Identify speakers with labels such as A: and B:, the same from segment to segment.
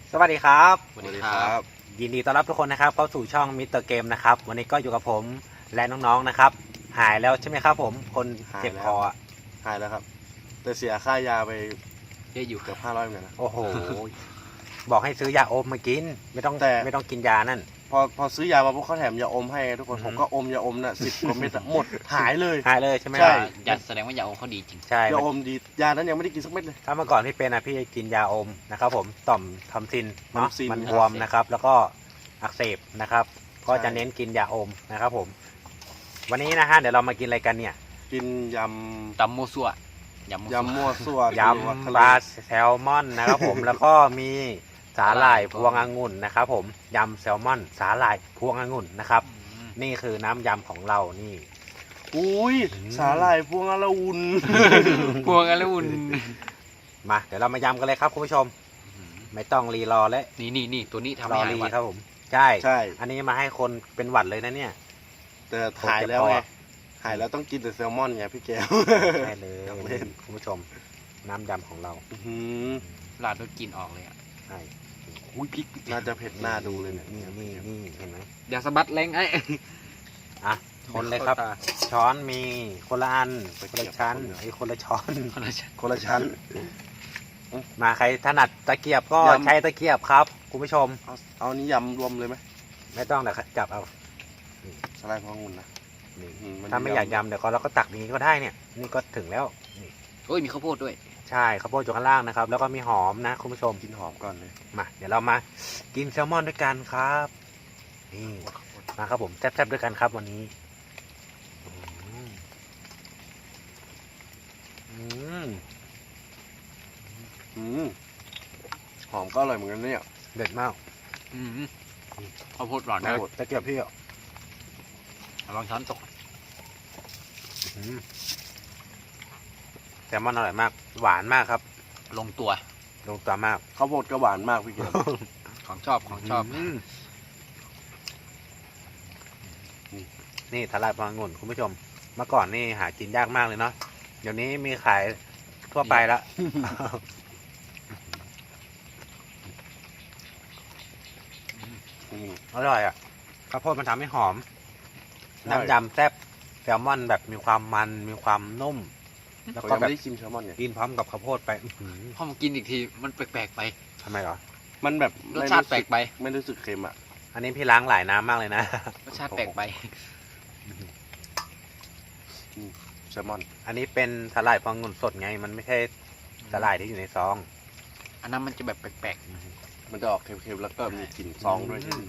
A: สวัสดีครับ
B: สวัสดีครับ
A: ยินดีต้อนรับทุกคนนะครับเข้าสู่ช่องมิสเตอร์เกมนะครับวันนี้ก็อยู่กับผมและน้องๆนะครับหายแล้วใช่ไหมครับผมคนเจ็บคออะ
B: หายแล้วครับ แต่เสียค่ายาไป
C: เยอะอยู่
B: เกือบ500เหมือนกันนะ
A: โอ้โห บอกให้ซื้อยาอมมากินไม่ต้อง
B: แต่
A: ไม่ต้องกินยานั่น
B: พอซื้อยามาพวกเขาแถมยาอมให้ทุกคน
A: อือฮึ
B: ผมก็อมยาอมน่ะ10 กว่าเม็ดอะหมดหายเลย
A: หายเลยใช่ไหม
B: ใช่
C: อย่าแสดงว่ายาอมเขาดีจริง
A: ใช่
B: ยาอมดียานั้นยังไม่ได้กินสักเม็ดเลย
A: ถ้าเมื่อก่อนพี่เป็นนะพี่จะกินยาอมนะครับผมต่อมทำซินเนาะ
B: ทำซิน
A: มันบวมนะครับ แล้วก็อักเสบนะครับ ก็จะเน้นกินยาอมนะครับผม วันนี้นะฮะเดี๋ยวเรามากินอะไรกันเนี่ย
B: กินย
C: ตำโมซัวย
B: ำมั่วซั่วย
A: ำปลาแซลมอนนะครับผม แล้วก็มีสาหร่ายพวงองุ่นนะครับผมยำแซลมอนสาหร่ายพวงองุ่นนะครับ นี่คือน้ำยำของเรานี่
B: อุ้ย
A: อืม
B: สาหร่ายพวงอละวุน
C: พวงอะไรอุ่น
A: มาเดี๋ยวเรามายำกันเลยครับคุณผู้ชม ไม่ต้องรีรอและ
C: นี่ตัวนี้ทำ
A: รอ
C: ให้หาย
A: รี
C: หวัด
A: ครับผมใช่
B: ใช่
A: อันนี้มาให้คนเป็นหวัดเลยนะเนี่ย
B: แต่หายแล้วไงหายแล้วต้องกินแต่แซลมอนไงพี่แก้ว
A: ใช่เลย
B: ครับเล่น
A: คุณผู้ชม น้ำยำของเรา
B: อื้อหือ
C: ลาดด้วยกลินออกเลยอ่ะ
A: ใช่
C: อุ้ยพริก
B: น่าจะเผ็ดหน้าดูเลยเนี่ย
A: นี่เห็นไหม
C: อย่าสะบัดแรงไอ้
A: อ่ะคนเลยครับ ช้อนมีคนละอันคนละชั้นไอ้คนละช้อน
C: คนละชั้น
B: คนละชั้น
A: มาใครถนัดตะเกียบก็
B: ยำ
A: ใช้ตะเกียบครับคุณผู้ชม
B: เอานี้ยำรวมเลยไหม
A: ไม่ต้องแต่จับเอา
B: สาหร่ายพวงองุ่นนะ
A: นี่
B: น
A: ถ้าไม่อยากยำเดี๋ยวเราก็ตักนี้ก็ได้เนี่ย นี่ก็ถึงแล้วนี่
C: โอ้ยมีข้าวโพดด้วย
A: ใช่ข้าวโพดอยู่ข้างล่างนะครับ แล้วก็มีหอมนะคุณผู้ชม
B: กินหอมก่อนเลย
A: มาเดี๋ยวเรามากินแซลมอนด้วยกันครับนี่มาครับผมแซ่บๆด้วยกันครับวันนี้อืมอืม
B: อืมหอมก็อร่อยเหมือนกันเนี่ย
A: เด็ดมาก
C: อืมข้าวโพดหวาน
A: นะ
C: นะ
A: ตะเกียบพี่อ่ะ
C: ลองช้อนตก
A: อืมแซลมอนอร่อยมาก หวานมากครับ
C: ลงตัว
A: ลงตัวมาก
B: ข้าวโพดก็หวานมากพี่เกียรติ
C: ของชอบ
A: มนี่ทลายพลังงุ่นคุณผู้ชม เมื่อก่อนนี่หากินยากมากเลยเนาะเดี๋ยวนี้มีขายทั่วไปละ
B: อืม
A: อร่อยอ่ะข้าวโพดมันทำให้หอม
B: ใช่
A: น้ำยำแซ่บแซลมอนแบบมีความมันมีความนุ่ม แล้ว
B: ผม
A: ก็
B: ยัง
A: แบบ
B: ไม่ได้ชิมแซลมอนเนี่ย
A: กินพร้อมกับข้าวโพดไปอื้อหือ
C: พอมากินอีกทีมันแปลกๆไป
A: ทำไมเหรอ
B: มันแบบ
C: รสชาติแปลกไป
B: ไม่รู้สึกเค็มอ่ะ
A: อันนี้พี่ล้างหลายน้ำมากเลยนะ
C: รสชาติแปลกไป
B: แซลมอน
A: อันนี้เป็นสาหร่ายพลังงุ่นสดไง มันไม่ใช่สาหร่ายที่อยู่ในซอง
C: อันนั้นมันจะแบบแปลก
B: มันจะออกเค็มๆแล้วก็มีกลิ่นซองด้วย
A: อืม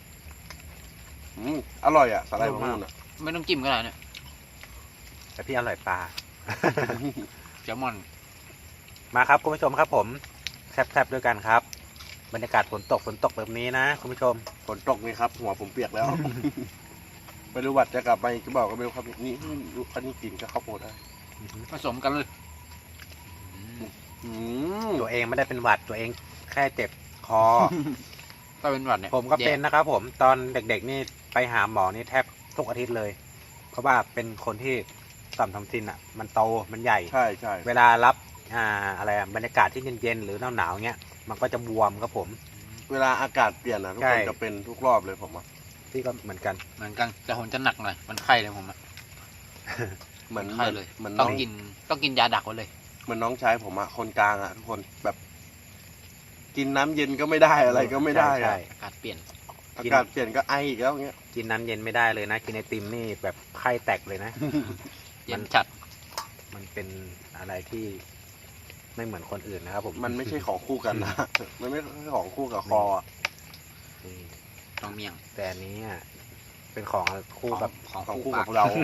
B: อร่อยอ่ะสาหร่ายพวงองุ่นอ่ะ
C: ๆไม่ต้องจิ้มก็ได้เนี่ย
A: แต่พี่อร่อยปลา
C: แซลมอน
A: มาครับคุณผู้ชมครับผมแซ่บๆด้วยกันครับ บรรยากาศฝนตกแบบนี้นะคุณผู้ชม
B: ฝนตกนี่ครับ หัวผมเปียกแล้ว ไม่รู้วัดจะกลับมาอีกก็บอกก็ไม่รู้ครับนี่อันนี้กินก็ข้าวโพดได้
C: ผสมกันเลย
B: อืม
A: ตัวเองไม่ได้เป็นหวัดตัวเองแค่เจ็บคอ
C: ถ้าเป็นหวัดเนี่ย
A: ผมก็เป็น
C: แย่
A: นะครับผมตอนเด็กๆนี่ไปหาหมอนี่แทบทุกอาทิตย์เลย เพราะว่าเป็นคนที่ต่อมทำซินอ่ะ มันโตมันใหญ่
B: ใช่ใช่
A: เวลารัอะไรอะบรรยากาศที่เย็นๆหรือหนาวๆเงี้ยมันก็จะบวมครับผม
B: เวลาอากาศเปลี่ยนนะทุก
A: ใช่
B: คนจะเป็นทุกรอบเลยผมอ่ะ
A: พี่ก็เหมือนกัน
C: เหมือนกันแต่ผมจะหนักหน่อยมันไข้เลยผมอะ
B: เหมือน
C: ไข้เลย
B: เหมือน
C: ต้
B: น้
C: อ
B: อง
C: งกินยาดักไว้เลย
B: เหมือนน้องชายผมอ่ะคนกลางอ่ะทุกคนแบบ กินน้ำเย็นก็ไม่ได้อะไรก็ไม่ได้
A: ใช่
B: อะ
C: อากาศเปลี่ยน
B: อากาศเปลี่ยนก็ไออีกแล้วเงี้ย
A: กินน้ำเย็นไม่ได้เลยนะ กินไอติมนี่แบบไข้แตกเลยนะ
C: เย็นจัด
A: มันเป็นอะไรที่ไม่เหมือนคนอื่นนะครับผม
B: มันไม่ใช่ของคู่กันนะ มันไม่ใช่ของคู่กับคออะ
A: นี่
C: ต้องเมี่ยง
A: แต่อันนี้อะเป็นของคู่กับ
C: ของ
B: ของ
C: คู่
B: คู่
C: ปา
B: กั
C: ก
B: บเรา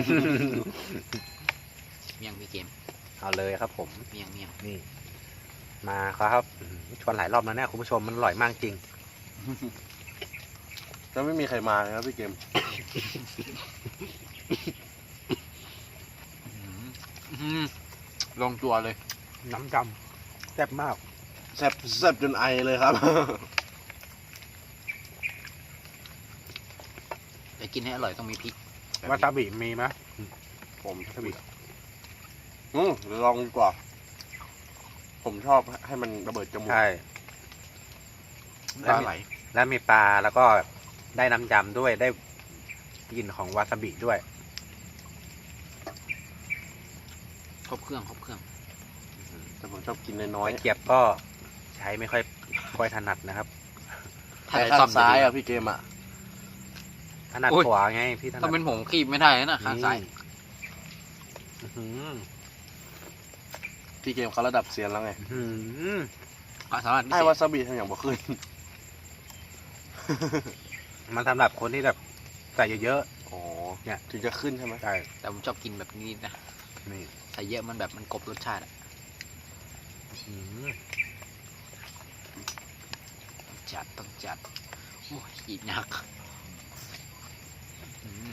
C: เมี่ยงพี่เกม
A: เอาเลยครับผม
C: เมี่ยง
A: นี่ มาครับชวนหลายรอบแล้วเนี่ยคุณผู้ชมมันอร่อยมากจริง
B: แล้วไม่มีใครมาเลยครับพี่เกม
C: ลงตัวเลย
A: น้ำจำแซ่บมาก
B: แซ่บจนไอเลยครับ
C: จะกินให้อร่อยต้องมีพริก
A: วาซาบิมีไหม
B: ผม
A: วาซาบิ
B: เดี๋ยวลองดีกว่า ผมชอบให้มันระเบิดจมูก
A: ใช่
C: ปลาไหล
A: แล้วมีปลาแล้วก็ได้น้ำยำด้วยได้กลิ่นของวาซาบิด้วย
C: ครบเครื่องครบเครื่อง
B: แต่ผมชอบกินน้อย
A: ตะเกียบก็ใช้ไม่ค่อยถนัดนะครับ
B: ๆ
C: ถ้า
B: แต่
C: ได้
B: ข้า
C: ซ่อง ม
B: ซ้าย
C: จะดี
B: อ่ะพี่เกมอ่ะ
A: ถนัด
C: โอ้ย
A: ขวาไงพี่ถนั
C: ถ้า
A: ด
C: เป็นผมคีบไม่ได้นะข้างซ้าย
A: อื้อหือ
B: พี่เกมเขาระดับเซียนแล้วไง
A: อื้อหือ
C: ความสามารถพิ
B: ให้
C: เศ
B: วา
C: ษ
B: ซาบิทำอย่างบ่ขึ้น
A: มันสำหรับคนที่แบบใส่เยอะ
B: อ๋อ
A: เนี่ย
B: ถึงจะขึ้นใช่ไหม
A: ๆใช่
C: แต่ผมชอบกินแบบนี้นะ
A: นี่
C: ใส่เยอะมันแบบมันกลบรสชาติอะ
A: อื้อหือ
C: จัดต้องจัดโอ้ยอีกหนักอืม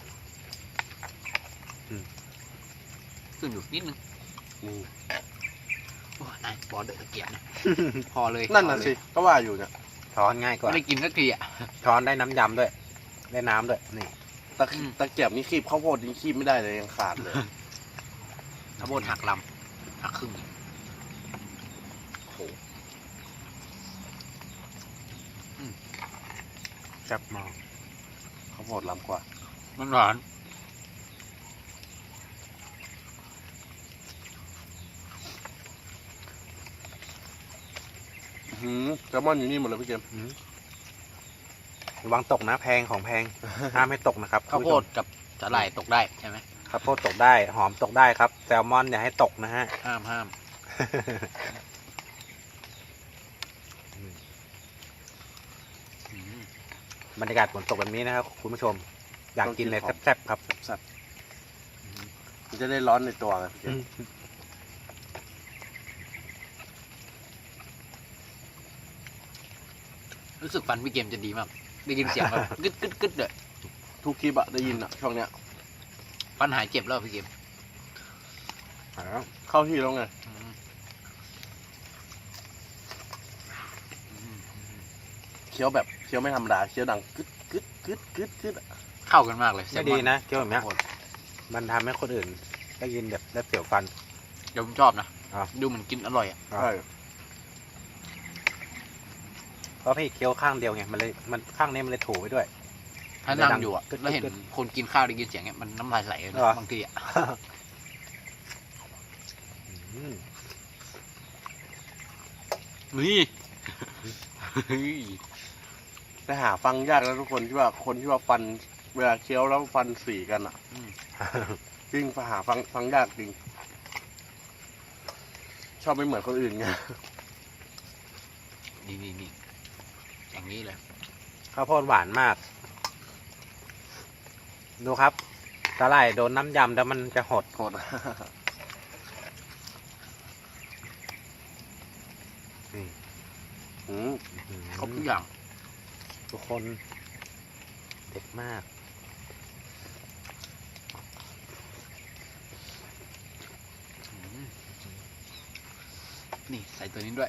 C: ขึ้นอยู่นิดนึง
B: นี่
C: โอ้ยนายบอเดอร์ตะเกียบนะ พอเลย
B: นั่นน่ะ
C: พอเลย
B: สิก็ว่าอยู่เนี่ย
A: ช้อนง่ายกว่า
C: ไม่ได้กินสักทีอ่ะ
A: ช้อนได้น้ำยำด้วย ได้น้ำด้วยนี่
C: อืม
B: ตะเกียบนี่คีบข้าวโพดนี่คีบไม่ได้เลยยังขาดเลย
C: ข้าวโพดหักลำหักครึ่ง
B: โอ้โห
A: จับมอง
B: ข้าวโพดล้ำกว่า
C: มันหวาน
B: แซลมอนอยู่นี่หมดเลยพี่เกม
A: อื้อระวังตกนะแพงของแพง ห้ามไม่ตกนะครับ
C: ข้าวโพดกับสาหร่ายตกได้ใช่ไหม
A: ข้าวโพดตกได้หอมตกได้ครับแซลมอนอย่าให้ตกนะฮะ
C: ห้ามห้ามอืม
A: บรรยากาศฝนตกแบบนี้นะครับคุณผู้ชม อยากกินเลยแซ่บๆครับ
B: สัตว์มันจะได้ร้อนในตัวไงพี่เกม
C: รู้สึกฟันพี่เกมจะดีมาก ได้ยินเสียงแบบ กึดกึดกึดเลย
B: ทุกคลิปอะได้ยินอะช่วงเนี้ย
C: ฟันหายเจ็บแล้วพี่เกม
B: เข้าที่แล้วไง
C: อืมอืม
B: เคี้ยวแบบเคี้ยวไม่ธรรมดาเคี้ยวดังกึดกึดกึดกึดกึดอะ
C: เข้ากันมากเลย
A: ไม่ดีนะเกี่ยวแบบเนี้ย
C: ข้าวโพด
A: มันทำให้คนอื่นได้ยินแบบได้เสียวฟัน
C: เดี๋ยวผมชอบนะ
A: อ่ะ
C: ดูเหมือนกินอร่อยอ่ะ
A: อ่ะ
B: ใช่
A: เพราะพี่เคี้ยวข้างเดียวไงมันข้างนี้มันเลยถูไปด้วย
C: ถ้านั่งอยู่อ่ะ
A: กึด
C: แล้วเห็น
A: กึด
C: คนกินข้าวได้ยินเสียงเนี้ยมันน้ำลายไหลเลย
A: เหรอ
C: นะบางทีอ่ะ
A: อืม
C: นี่
B: แต่หาฟังยากแล้วทุกคนที่ว่าคนที่ว่าฟันเวลาเคี้ยวแล้วฟันสีกันอะ
C: อืม
B: จริงหาฟังยากจริง ชอบไม่เหมือนคนอื่นไง
C: นี่นี่นี่อย่างนี้เลย
A: ข้าวโพดหวานมาก ดูครับสาหร่ายโดนน้ำยำแล้วมันจะหด
B: โหด
A: นี่
B: อืม
C: ครบทุกอย่าง
A: ทุกคนเด็ดมาก
C: อืมนี่ใส่ตัวนี้ด้วย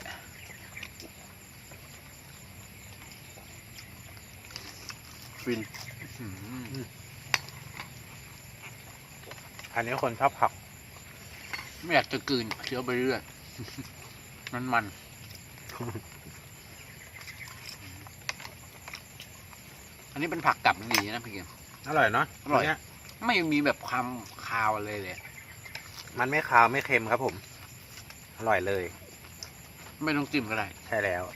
B: ฟิน
C: อืม
A: อันนี้คนชอบผัก
C: ไม่อยากจะกลืนเคี้ยวไปเรื่อย มันอันนี้เป็นผักกลับดีนะพี่เกม
A: อร่อยเนาะ
C: อร่อย
A: นเนี้ย
C: ไม่มีแบบความคาวเลยเลย
A: มันไม่คาวไม่เค็มครับผม อร่อยเลย
C: ไม่ต้องจิ้มก็ได้
A: ใช่แล้ว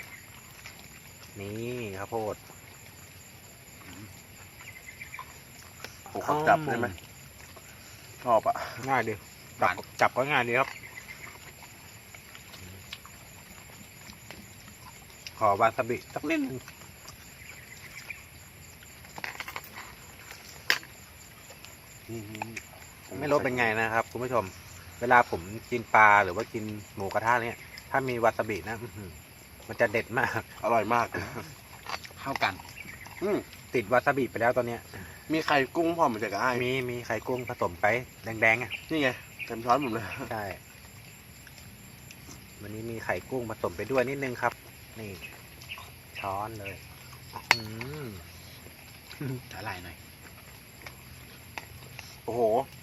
A: นี่ข้าวโพด
B: ผมขอจับได้ไหมชอบอะ
A: ง่ายดี
C: หวาน
A: จับก็ง่ายดีครับ ขอวาซาบิสักนิดนึงไม่รู้เป็นไงนะครับคุณผู้ชม เวลาผมกินปลาหรือว่ากินหมูกระทะเนี่ย ถ้ามีวาซาบินะอื้อหือมันจะเด็ดมาก
B: อร่อยมาก
C: เข้ากัน
B: อืม
A: ติดวาซาบิไปแล้วตอนเนี้ย
B: มีไข่กุ้งพร้อมมาจากไอ้าย
A: มีไข่กุ้งผสมไปแดงๆอ่ะ
B: นี่ไงเต็มช้อนผมเลย
A: ใช่ วันนี้มีไข่กุ้งผสมไปด้วยนิดนึงครับ นี่ ช้อนเลย อืม
C: สาหร่ายหน่อย
B: โอ้โห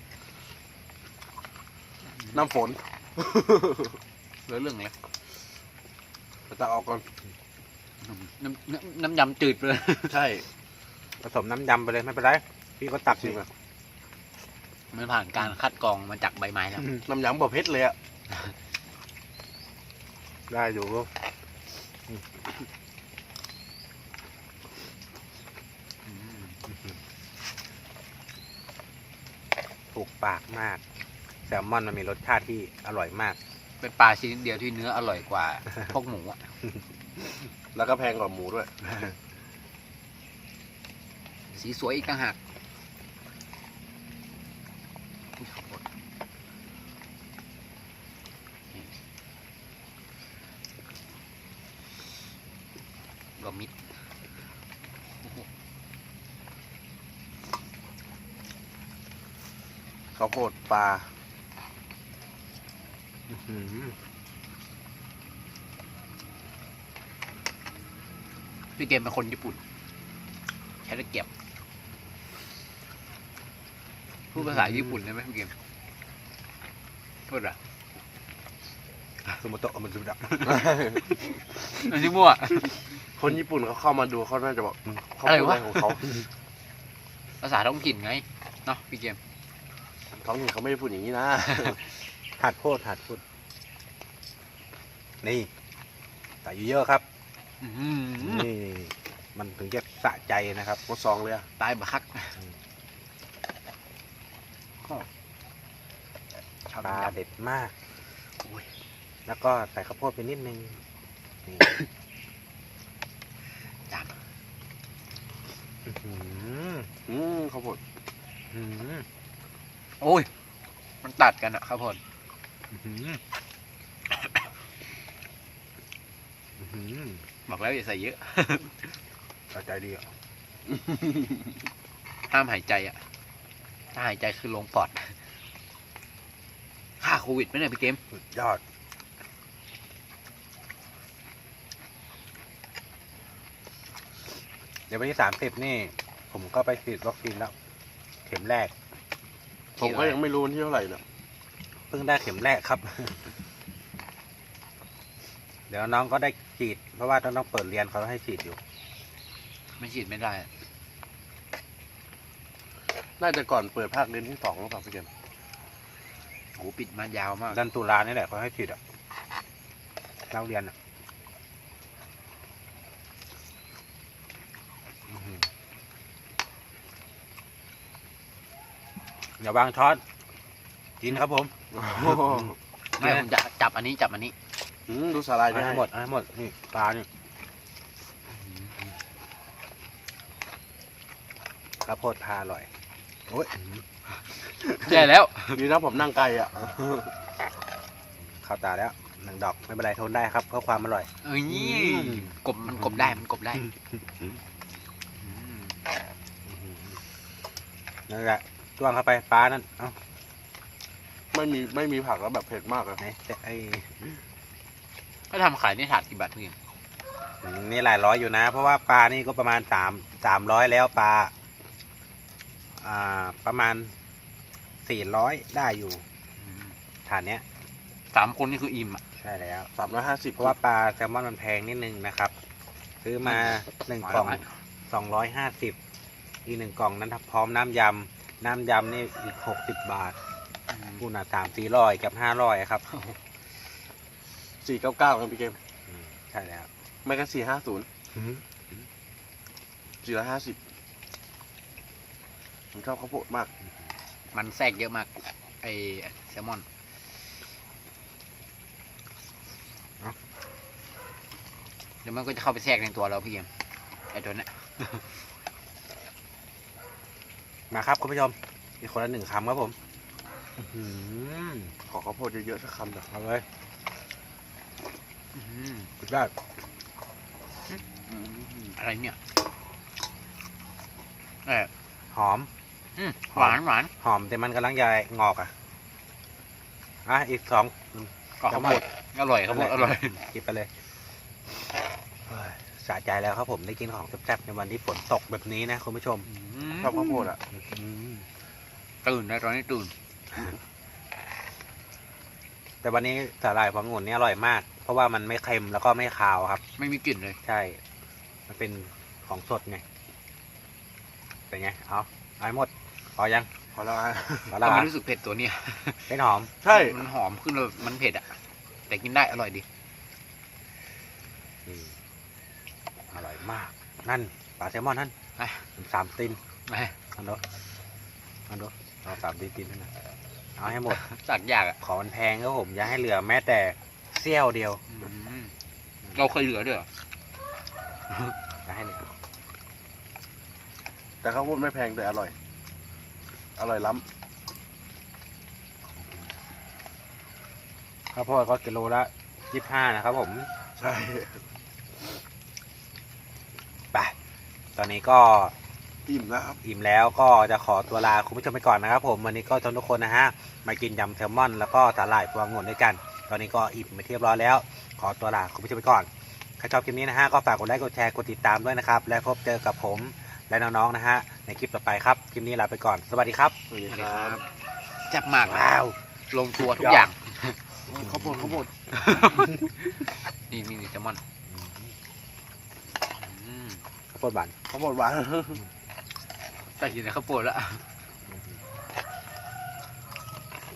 B: น้ำฝน
C: เรื่องเลย
B: ตักออกก่อน
C: น้ำยำจืดไปเลย
B: ใช่
A: ผสมน้ำยำไปเลยไม่เป็นไรพี่ก็ตัก
B: จริ
A: สิ
B: งอะ
C: มันผ่านการคัดกรองมาจากใบไม้แล้ว
B: น้ำยำบ่เผ็ดเลยอะ
A: ได้อยู่ถูกปากมากแซลมอนมันมีรสชาติที่อร่อยมาก
C: เป็นปลาชนิดเดียวที่เนื้ออร่อยกว่า พวกหมูอะ
B: แล้วก็แพงกว่าหมูด้วย
C: สีสวยอีกต่างหากรวมมิตร
B: ข้าวโพดปลา
C: พี่เกมเป็นคนญี่ปุ่น ใช้ตะเกียบพูดภาษาญี่ปุ่นได้ไหมพี่เกมพูดอะ
A: สมุโตะมันสุดะ
C: อันนี้มั่ว
B: คนญี่ปุ่นเขาเข้ามาดูเขาน่าจะบอกเขา
C: อะไร
B: พูด
C: วะ
B: อะไรของเขา
C: ภาษาท้องถิ่นไงเนาะพี่เกม
B: ท้องถิ่นเขาไม่ได้พูดอย่างนี้นะ
A: หัดพูดนี่ใส่เยอะๆครับ
C: อื้อหือ
A: นี่มันถึงจะสะใจนะครับ
B: หมดซองเลยอะ
C: ตายบักคัก
A: ปลาเด็ดมากแล้วก็ใส่ข้าวโพดไปนิดนึงนี่
C: จาน
A: อื้อหือ
B: ข้าวโพด
A: อื้อหือ
C: โอ้ย มันตัดกันอะครับผม
A: อื้อหืออื้อหือ
C: บอกแล้วอย่าใส่เยอะ
A: สะใจดีอ่ะ
C: ห้ามหายใจอะถ้าหายใจคือลงปอดฆ่าโควิดไหมเนี่ยพี่เกม
A: สุดยอดเดี๋ยววันที่30นี่ ผมก็ไปฉีดวัคซีนแล้ว เข็มแรก
B: ผมก็ยังไม่รู้วันที่เท่าไหร่เนี่ย
A: เพิ่งได้เข็มแรกครับ เดี๋ยวน้องก็ได้ฉีด เพราะว่าต้องเปิดเรียนเขาให้ฉีดอยู่
C: ไม่ฉีดไม่ได้อะ
B: น่าจะก่อนเปิดภาคเรียนที่2หรือเปล่าพี่เกม
C: โหปิดมายาวมาก
A: เดือนตุลานี่แหละเขาให้ฉีดอ่ะนักเรียนอ่ะอื้อหืออย่าวางช้อนกินครับผม
C: ไม่ผมจะจับอันนี้จับอันนี้
B: ดูสาลาย
A: เอา
B: ได้
A: ให้หมดเอาให้หมดนี่ปลานี่ข้าวโพดพาอร่อยโอ้ย
C: ใช่แล้ว
B: ดีนะผมนั่งไกลอ่ะ
A: เข้าตาแล้วหนึ่งดอกไม่เป็นไรทนได้ครับเพื่อความอร่อย
C: เอ้ย
A: ม
C: กบมันกบได้มันกบได้
A: นั่นแหละจ้วงเข้าไปปลานั่นเอ้า
B: ไม่มีผักแล้วแบบเผ็ดมากอะ
A: ไหนแต่ไอ้
C: ก็ทำขายในถาดกี่บาทพี่เกม
A: นี่หลายร้อยอยู่นะ เพราะว่าปลานี่ก็ประมาณ300แล้วปลาประมาณ400ได้อยู่ฐานเนี้ย
C: 3 คนนี่คืออิ่มอ่ะ
A: ใช่แล้ว
B: 350
A: เพราะว่าปลาแซลมอนมันแพงนิดนึงนะครับ ซื้อมา1 กล่อง250อีก1 กล่องนั้นพร้อมน้ำยำนี่อีก60 บาทคูณ300-400กับ500ครับ
B: 499ครับพี่เกม
A: ใช่แล้ว
B: ไม่ก็450 450ผมชอบข้าวโพดมาก
C: มันแทรกเยอะมากไอแซลมอนเดี๋ยวมันก็จะเข้าไปแทรกในตัวเราพี่เกมไอตัวเนี้ย
A: มาครับคุณผู้ชมอีกคนละ1 คำครับผมอื้อหือ
B: ขอข้าวโพดเยอะๆสักคำเถอะ
A: เอาเลยสุดยอด
C: อะไรเนี่ย
A: หอม
C: หวานหวาน
A: หอมแต่มันกำลังจะงอกอีก2
C: ก็ข้าวโพดอร่อยข้าวโพดอร่อย
A: กินไปเลยเฮ้ยสะใจแล้วครับผมได้กินของแซ่บๆในวันที่ฝนตกแบบนี้นะคุณผู้ชม
B: ชอบข้าวโพดอ่ะ
C: ตื่นนะตอนนี้ตื่น
A: แต่วันนี้สาหร่ายพวงองุ่นนี่อร่อยมาก เพราะว่ามันไม่เค็มแล้วก็ไม่คาวครับ
C: ไม่มีกลิ่นเลย
A: ใช่มันเป็นของสดไงเป็นไงเอาให้หมดพอยัง
B: พอแล้วอ่ะ
A: พอแล้ว
C: ก็
A: อ่ะ
C: ไม่รู้สึกเผ็ดตัวเนี้ย
A: เป็นหอม
B: ใช่
C: มันหอมขึ้นเลยมันเผ็ดอ่ะ แต่กินได้อร่อยดี
A: อืมอร่อยมาก นั่นปลาแซลมอนนั่น
C: ไป
A: 3 ตีน
C: ไป
A: อันดูเอา3 ตีนนั่นนะเอาให้หมด
C: จากยากอ่ะ
A: ขอมันแพงครับผมอย่าให้เหลือแม้แต่เสี้ยวเดียว
C: เราเคยเหลือด้วยเหรอ
A: อย่าให้เหลือ
B: แต่ข้าวโพดไม่แพงแต่อร่อย อร่อยล้
A: ข้าวโพดก็กิโลละ25นะครับผม
B: ำใช่
A: ไปตอนนี้ก็
B: อิ่มแล้วครับ
A: อิ่มแล้วก็จะขอตัวลาคุณผู้ชมไปก่อนนะครับผมวันนี้ก็ชวนทุกคนนะฮะมากินยำแซลมอนแล้วก็สาหร่ายพวงองุ่นด้วยกัน ตอนนี้ก็อิ่มไปเรียบร้อยแล้ว ขอตัวลาคุณผู้ชมไปก่อนใครชอบคลิปนี้นะฮะก็ฝากกดไลค์กดแชร์กดติดตามด้วยนะครับและพบเจอกับผมและน้องๆนะฮะในคลิปต่อไปครับคลิปนี้ลาไปก่อนสวัสดีครับ
B: สวัสดี
C: สวัส
B: ค
C: ดี
B: รั
C: ครับ บจับมากนะ
A: ว้าว
C: ลงตัวทุกอย่าง
B: ข้าวโพดข้าวโพด
C: นี่แซลมอนอืม
A: ข้าวโพดหวาน
B: ข้าวโพดหวาน
C: ใส่กินในข้าวโพดแล้ว